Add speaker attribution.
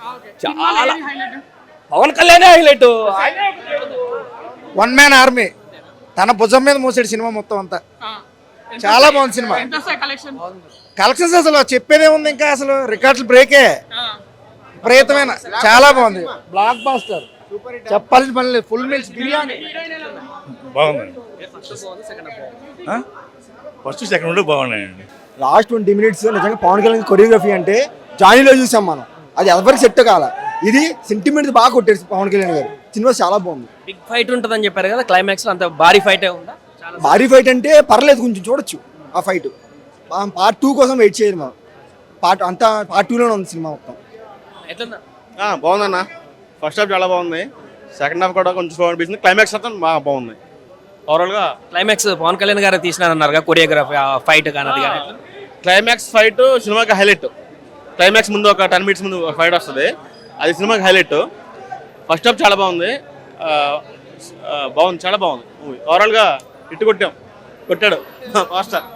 Speaker 1: చాలా Pawan Kalyan highlight.
Speaker 2: One man army తన భుజం మీద మోసాడు సినిమా మొత్తం అంతా. చాలా బాగుంది సినిమా. కలెక్షన్స్ అసలు చెప్పేదే ఉంది, ఇంకా అసలు రికార్డులు బ్రేకే. విపరీతమైన చాలా బాగుంది. బ్లాక్ బాస్టర్ చెప్పాల్సిన పని లేదు. ఫుల్ మీల్స్ బిర్యానీ
Speaker 3: బాగుందండి. ఫస్ట్ సెకండ్ బాగున్నాయండి.
Speaker 4: లాస్ట్ 20 minutes నిజంగా పవన్ కళ్యాణ్ కొరియోగ్రఫీ అంటే జానీలో చూసాం మనం, అది ఎవరికి సెట్ కాల. ఇది సెంటిమెంట్ బాగా కొట్టారు పవన్ కళ్యాణ్ గారు. సినిమా చాలా బాగుంది.
Speaker 1: బిగ్ ఫైట్ ఉంటుందని చెప్పారు కదా, క్లైమాక్స్ అంత భారీ ఫైట్ ఉందా?
Speaker 4: భారీ ఫైట్ అంటే పర్లేదు, కొంచెం చూడొచ్చు ఆ ఫైట్. పార్ట్ 2 కోసం వెయిట్ చేయరు మనం. పార్ట్ 2లోనే ఉంది సినిమా మొత్తం.
Speaker 1: ఎట్లుందా?
Speaker 5: బాగుందన్న. ఫస్ట్ హాఫ్ చాలా బాగుంది, సెకండ్ హాఫ్ కూడా కొంచెం స్లో అనిపిస్తుంది. క్లైమాక్స్ అంతా బాగా బాగుంది. ఓవరాల్గా
Speaker 1: క్లైమాక్స్ పవన్ కళ్యాణ్ గారు తీసినారన్నారు కొరియోగ్రఫీ ఫైట్ కానీ అది కానీ.
Speaker 5: క్లైమాక్స్ ఫైట్ సినిమాకి హైలైట్. క్లైమాక్స్ ముందు ఒక 10 minutes ముందు ఫైట్ వస్తుంది, అది సినిమాకి హైలైట్. ఫస్ట్ హాఫ్ చాలా బాగుంది, బాగుంది, చాలా బాగుంది మూవీ. ఓవరాల్గా కొట్టాడు మాస్టర్.